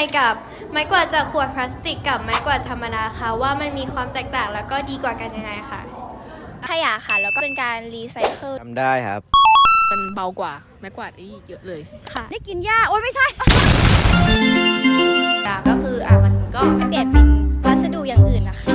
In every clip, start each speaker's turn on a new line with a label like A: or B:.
A: กับไม้กวาดจากขวดพลาสติกกับไม้กวาดธรรมดาคะว่ามันมีความแตกต่างแล้วก็ดีกว่ากันยังไงคะ
B: ขยะค่ะแล้วก็เป็นการรีไซเคิล
C: ทำได้ครับ
D: มันเบากว่าไม้กวาดอีกเยอะเลย
B: ค่ะได้กินหญ้าโอ๊ยไม่ใช่
E: ก็คือมันก็
B: เปลี่ยนเป็นวัสดุอย่างอื่นนะคะ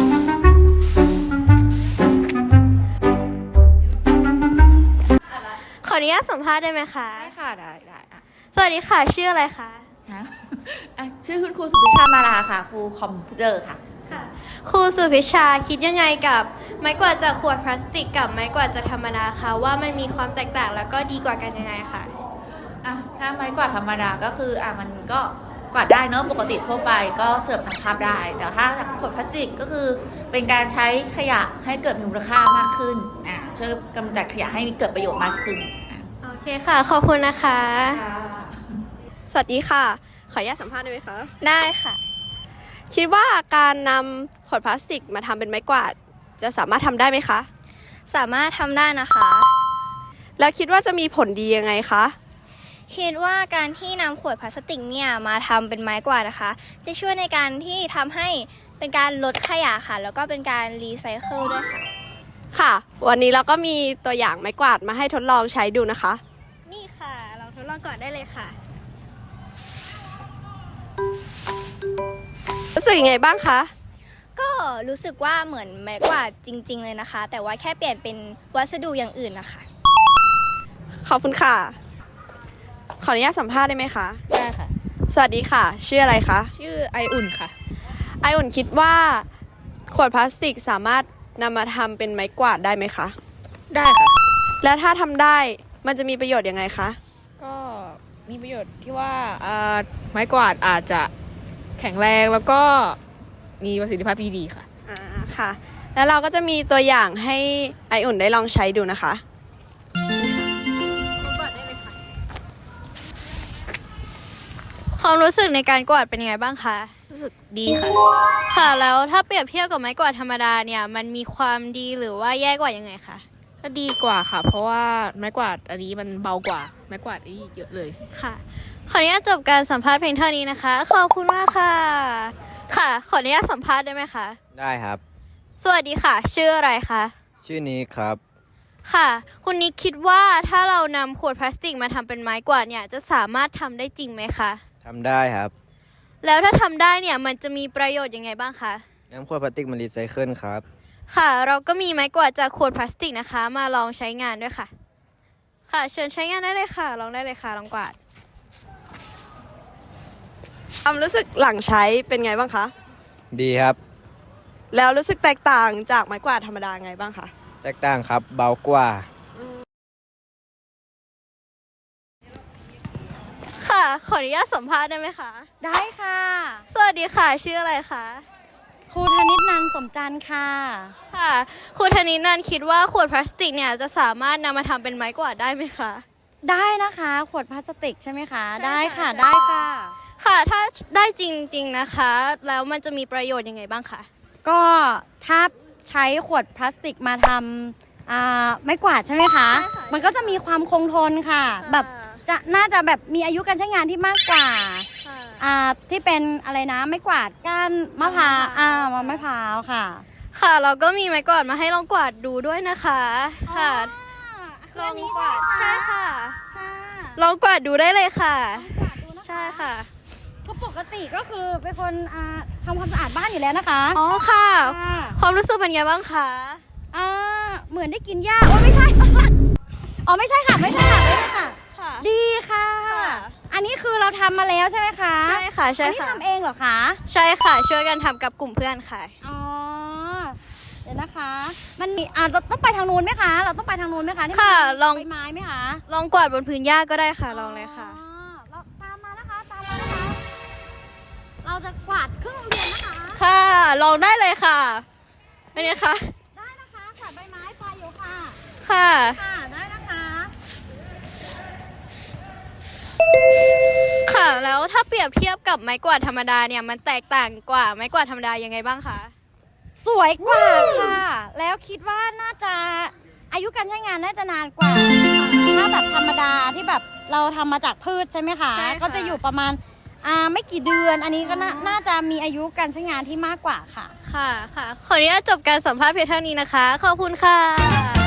A: ขออนุญาตสัมภาษณ์ได้ไหมคะ
E: ได้ค่ะได้
A: สวัสดีค่ะชื่ออะไรคะ
E: ชื่อคุณครูสุพิชามาลาค่ะครูคอมพิวเตอร์ค่ะ
A: ครูสุพิชาคิดยังไงกับไม้กวาดจากขวดพลาสติกกับไม้กวาดจากธรรมดาคะว่ามันมีความแตกต่างแล้วก็ดีกว่ากันยังไงคะ
E: ถ้าไม้กวาดธรรมดาก็คือมันก็กวาดได้เนอะปกติทั่วไปก็เสิร์ฟตามภาพได้แต่ถ้าขวดพลาสติกก็คือเป็นการใช้ขยะให้เกิดมูลค่ามากขึ้นช่วยกำจัดขยะให้เกิดประโยชน์มากขึ้น
A: โอเคค่ะขอบคุณนะคะ
F: สวัสดีค่ะขออนุญาตสัมภาษณ์ได้ไหมคะ
B: ได้ค่ะ
F: คิดว่าการนำขวดพลาสติกมาทำเป็นไม้กวาดจะสามารถทำได้ไหมคะ
B: สามารถทำได้นะคะ
F: แล้วคิดว่าจะมีผลดียังไงคะ
B: คิดว่าการที่นำขวดพลาสติกเนี่ยมาทำเป็นไม้กวาดนะคะจะช่วยในการที่ทำให้เป็นการลดขยะค่ะแล้วก็เป็นการรีไซเคิลด้วยค่ะ
F: ค่ะวันนี้เราก็มีตัวอย่างไม้กวาดมาให้ทดลองใช้ดูนะคะ
B: นี่ค่ะลองทดลองก่อนได้เลยค่ะ
F: รู้สึกยังไงบ้างคะ
B: ก็รู้สึกว่าเหมือนไม้กวาดจริงๆเลยนะคะแต่ว่าแค่เปลี่ยนเป็นวัสดุอย่างอื่นนะคะ
F: ขอบคุณค่ะขออนุญาตสัมภาษณ์ได้ไหมคะ
D: ได้ค่ะ
F: สวัสดีค่ะชื่ออะไรคะ
D: ชื่อไออุ่นค่ะ
F: ไออุ่นคิดว่าขวดพลาสติกสามารถนำมาทำเป็นไม้กวาดได้ไหมคะ
D: ได้ค่ะ
F: แล้วถ้าทำได้มันจะมีประโยชน์ยังไงคะ
D: ก็มีประโยชน์ที่ว่าไม้กวาดอาจจะแข็งแรงแล้วก็มีประสิทธิภาพที่ดีค่ะ
F: ค่ะแล้วเราก็จะมีตัวอย่างให้ไออุ่นได้ลองใช้ดูนะคะ
A: ความรู้สึกในการกวาดเป็นยังไงบ้างคะ
D: รู้สึกดีค่ะ
A: ค่ะแล้วถ้าเปรียบเทียบกับไม้กวาดธรรมดาเนี่ยมันมีความดีหรือว่าแย่กว่ายังไงคะ
D: ก็ดีกว่าค่ะเพราะว่าไม้กวาดอันนี้มันเบากว่าไม้กวาดอีกเยอะเลย
A: ค่ะขออนุญาตจบการสัมภาษณ์เพียงเท่านี้นะคะขอบคุณมากค่ะค่ะขออนุญาตสัมภาษณ์ได้ไหมคะ
C: ได้ครับ
A: สวัสดีค่ะชื่ออะไรคะ
C: ชื่อนี้ครับ
A: ค่ะคุณนิกคิดว่าถ้าเรานำขวดพลาสติกมาทำเป็นไม้กวาดเนี่ยจะสามารถทำได้จริงไหมคะ
C: ทำได้ครับ
A: แล้วถ้าทำได้เนี่ยมันจะมีประโยชน์ยังไงบ้างคะ
C: น้ำขวดพลาสติกมันรีไซเคิลครับ
A: ค่ะเราก็มีไม้กวาดจากขวดพลาสติกนะคะมาลองใช้งานด้วยค่ะค่ะเชิญใช้งานได้เลยค่ะลองได้เลยค่ะลองกวาด
F: ความรู้สึกหลังใช้เป็นไงบ้างคะ
C: ดีครับ
F: แล้วรู้สึกแตกต่างจากไม้กวาดธรรมดาไงบ้างคะ
C: แตกต่างครับเบากว่า
A: ค่ะขออนุญาตสัมภาษณ์ได้ไหมคะ
G: ได้ค่ะ
A: สวัสดีค่ะชื่ออะไรคะ
G: ครูธนิตนันท์สมจันทร์ค่ะ
A: ค่ะครูธนิตนันท์คิดว่าขวดพลาสติกเนี่ยจะสามารถนำมาทำเป็นไม้กวาดได้ไหมคะ
G: ได้นะคะขวดพลาสติกใช่ไหมคะได้ค่ะได้ค่ะ
A: ค่ะถ้าได้จริงๆนะคะแล้วมันจะมีประโยชน์ยังไงบ้างคะ
G: ก็ถ้าใช้ขวดพลาสติกมาทำไม้กวาดใช่ไหมคะมันก็จะมีความคงทนค่ะแบบน่าจะแบบมีอายุการใช้งานที่มากกว่าที่เป็นอะไรนะไม้กวาดก้านมะพร้าวมะพร้าวค่ะ
A: ค่ะเราก็มีไม้กวาดมาให้ลองกวาดดูด้วยนะคะค่ะ
G: ลองกวาด
A: ใช่ค่ะลองกวาดดูได้เลยค่ะใช่ค่ะ
G: เพราะปกติก็คือเป็นคนทำความสะอาดบ้านอยู่แล้วนะคะ
A: อ๋อค่ะความรู้สึกเป็นไงบ้างคะ
G: เหมือนได้กินหญ้าโอ้ไม่ใช่อ๋อไม่ใช่ค่ะไม่ใช่ค่ะดีค่ะอันนี้คือเราทำมาแล้วใช่ไหมคะ
A: ใช่ค่ะใช่ค่ะ
G: อันนี้ทำเองเหรอคะ
A: ใช่ค่ะช่วยกันทำกับกลุ่มเพื่อนค่ะ
G: อ๋อเดี๋ยวนะคะมันมีเราต้องไปทางนู้นไหมคะเราต้องไปทางนู้นไหมคะ
A: ค่ะลอง
G: ใบไม้ไหมคะ
A: ลองกวาดบนพื้นหญ้าก็ได้ค่ะลองเลยค่ะ
G: เราตามมานะคะเราจะกวาดครึ่งโรงเรียนนะคะ
A: ค่ะลองได้เลยค่ะเป็นไงคะ
G: ได้นะคะกวาดใบไม้ไฟอยู่ค่ะ
A: ค่ะ
G: ได้นะคะ
A: ค่ะแล้วถ้าเปรียบเทียบกับไม้กวาดธรรมดาเนี่ยมันแตกต่างกว่าไม้กวาดธรรมดายังไงบ้างคะ
G: สวยกว่าค่ะแล้วคิดว่าน่าจะอายุการใช้งานน่าจะนานกว่าถ้าแบบธรรมดาที่แบบเราทำมาจากพืชใช่ไหมคะก็จะอยู่ประมาณไม่กี่เดือน อันนี้ก็น่าจะมีอายุการใช้งานที่มากกว่าค่ะ
A: ค่ะ ขออนุญาตจบการสัมภาษณ์เพียงเท่านี้นะคะ ขอบคุณค่ะ